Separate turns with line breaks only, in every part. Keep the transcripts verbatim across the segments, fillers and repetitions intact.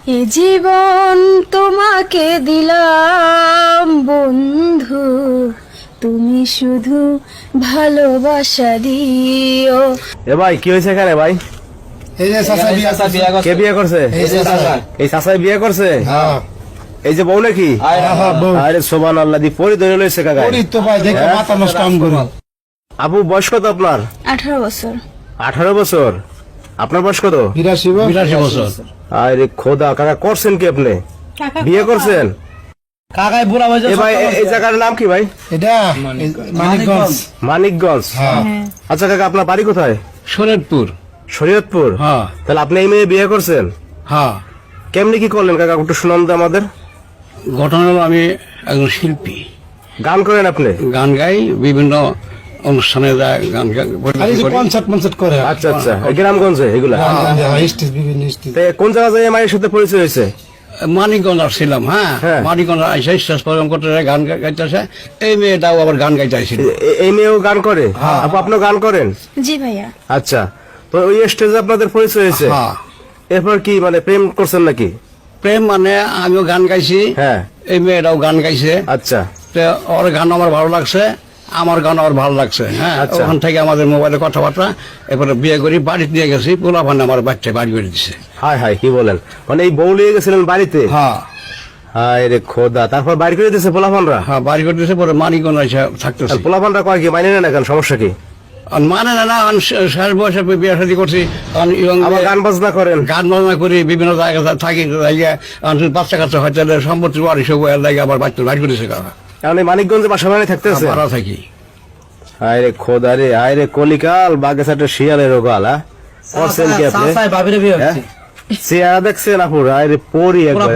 এ জীবন তোমাকে দিলাম বন্ধু, তুমি শুধু ভালোবাসা দিও।
এ ভাই কি হয়েছে এখানে ভাই?
এই যে চাচা বিয়া করছে।
কে বিয়ে করছে?
এই যে চাচা।
এই চাচাই বিয়ে করছে?
হ্যাঁ
এই যে বউ নাকি?
হ্যাঁ বউ।
আরে সুবহানাল্লাহ, দি পরি ধরে লইছে কাকা।
পরি তো ভাই দেখে মাথা নষ্ট কাম করে।
আপু বয়স কত আপনার?
আঠারো বছর।
আঠারো বছর। আপনার বয়স কত?
বিরাশি বছর।
আরে খোদা, কাকা করছেন কি আপনি? বিয়ে করছেন?
কাকাই বুড়া হয়েছে।
এ ভাই এই জায়গার নাম কি ভাই?
এটা মানিকগঞ্জ।
মানিকগঞ্জ।
হ্যাঁ
আচ্ছা কাকা, আপনার বাড়ি কোথায়?
শরীয়তপুর।
শরীয়তপুর।
হ্যাঁ
তাহলে আপনি এই মেয়ে বিয়ে করছেন?
হ্যাঁ।
কেমনি কি করলেন কাকা, একটু শুনান তো আমাদের।
ঘটনা হলো আমি একজন শিল্পী,
গান করেন আপনি?
গান গাই, বিভিন্ন অনুষ্ঠানে যায় গান গা-
আর এই যে
করি।
কনসার্ট মনসার্ট করে।
আচ্ছা আচ্ছা, এই গ্রামগঞ্জে এগুলা?
হ্যাঁ, স্টেজ বিভিন্ন স্টেজ।
তে কোন জায়গা যায় মায়ের সাথে পরিচয় হয়েছে?
মানিকগঞ্জ আসছিলাম। হ্যাঁ
হ্যাঁ।
মানিকগঞ্জ আইসা স্টেজ প্রোগ্রাম করতে যায়, গান গা- গাইতেছে। এই মেয়েটাও আবার গান গাইতে আইছিল।
এ- এই মেয়েও গান করে? আপু আপনিও গান করেন?
জি ভাইয়া।
আচ্ছা, তো ওই স্টেজে আপনাদের পরিচয় হয়েছে?
হ্যাঁ।
এরপর কি মানে প্রেম করছেন নাকি?
প্রেম মানে আমিও গান গাইছি,
হ্যাঁ।
এই মেয়েটাও গান গাইছে।
আচ্ছা
তো ওর গান আমার ভালো লাগছে, আমার গান আমার ভালো লাগছে। হ্যাঁ
আচ্ছা।
ওখান থেকে আমাদের মোবাইলে কথাবার্তা, এরপরে বিয়ে করি, বাড়িতে নিয়ে গেছি, পোলা ভান্ডা আমার বাচ্চা বাড়ি করে দিছে।
হাই হাই, কি বলেন? মানে এই বউ লিয়ে গেছিলেন বাড়িতে?
হ্যাঁ
হায় রে খোদা, তারপর বাড়ি করে দিয়েছে পোলাপানরা?
হ্যাঁ বাড়ি করে দিছে, পরে মানিকগঞ্জ এসে থাকতেছি।
পোলাপানরা কয় কি মানে না কেন, সমস্যা কি?
আর মানে না না, আমি শেষ বয়সে বিয়ে শাদী করছি, আমি young
আবার
মেয়ে,
গান বাজনা করেন?
গান বাজনা করি, বিভিন্ন জায়গায় থাকি, জায়গায় বাচ্চা কাচ্চা হয়তো সম্পত্তি বাড়ি সব লাগে, আবার বাচ্চা বাড়ি করেছে কারা
কারণ এই মানিকগঞ্জে বাসা বাড়ি থাকতেছে?
ভাড়া থাকি।
হায় রে খোদা রে, হায় রে কলিকাল, বাগেসাটে শিয়ালের গাল। হ্যাঁ করছেন কি আপনি? হ্যাঁ? চেহারা দেখছেন আপুর? হায় রে পরি একবার।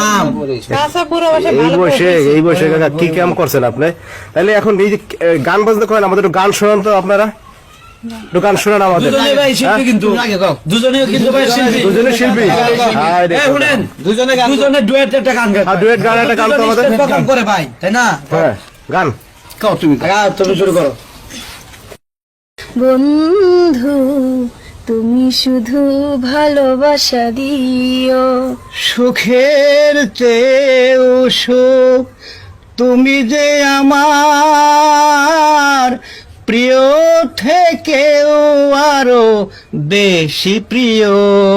এই বয়সে এই বয়সে কাকা কি কাম করছেন আপনি? তাহলে এখন এই যে এ, গান বাজনা করেন, আমাদের একটু গান শোনান তো আপনারা, একটু গান শোনান আমাদের। হ্যাঁ?
দুজনেও কিন্তু ভাই শিল্পী।
দুজনে শিল্পী? হায় রে
এই
খোদা।
শুনেন, দুজনে ডুয়েট একটা গান গায়।
আর ডুয়েট গান একটা গান তো আমাদের।
দুজনে প্রোগ্রাম করে ভাই, তাই না?
হ্যাঁ গান।
কাও তুমি
আগা তুমি শুরু করো।
বন্ধু, তুমি শুধু ভালোবাসা দিও।
সুখের চেয়েও সুখ তুমি যে আমার, প্রিয় থেকেও আরো বেশি প্রিয়,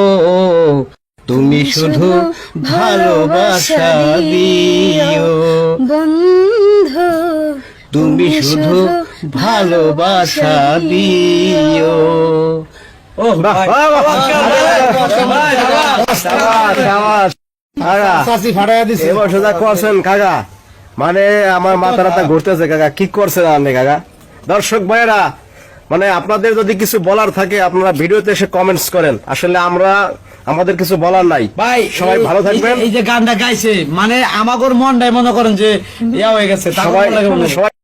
তুমি শুধু ভালোবাসা দিও,
বন্ধু,
তুমি শুধু ভালোবাসা দিও।
ও
বাহ,
ভাই,
বাহ, বাহ,
ভাই, ভাই,
সাবাস, সাবাস। কাকা,
চাচি ফাটাইয়া দিছে।
এবার সোজা করছেন কাকা, মানে আমার মাথা রাতা ঘুরতেছে কাকা, কি করছেন আপনি কাকা? দর্শক ভাইয়েরা, মানে আপনাদের যদি কিছু বলার থাকে আপনারা ভিডিওতে এসে কমেন্টস করেন, আসলে আমরা আমাদের কিছু বলার নাই।
ভাই
সবাই ভালো থাকবেন।
এই যে গানটা গাইছে, মানে আমাগোর মনটাই মনে করেন যে ইয়া হয়ে গেছে, তারপর
সবাই
লাগে মনে হয়।
সবাই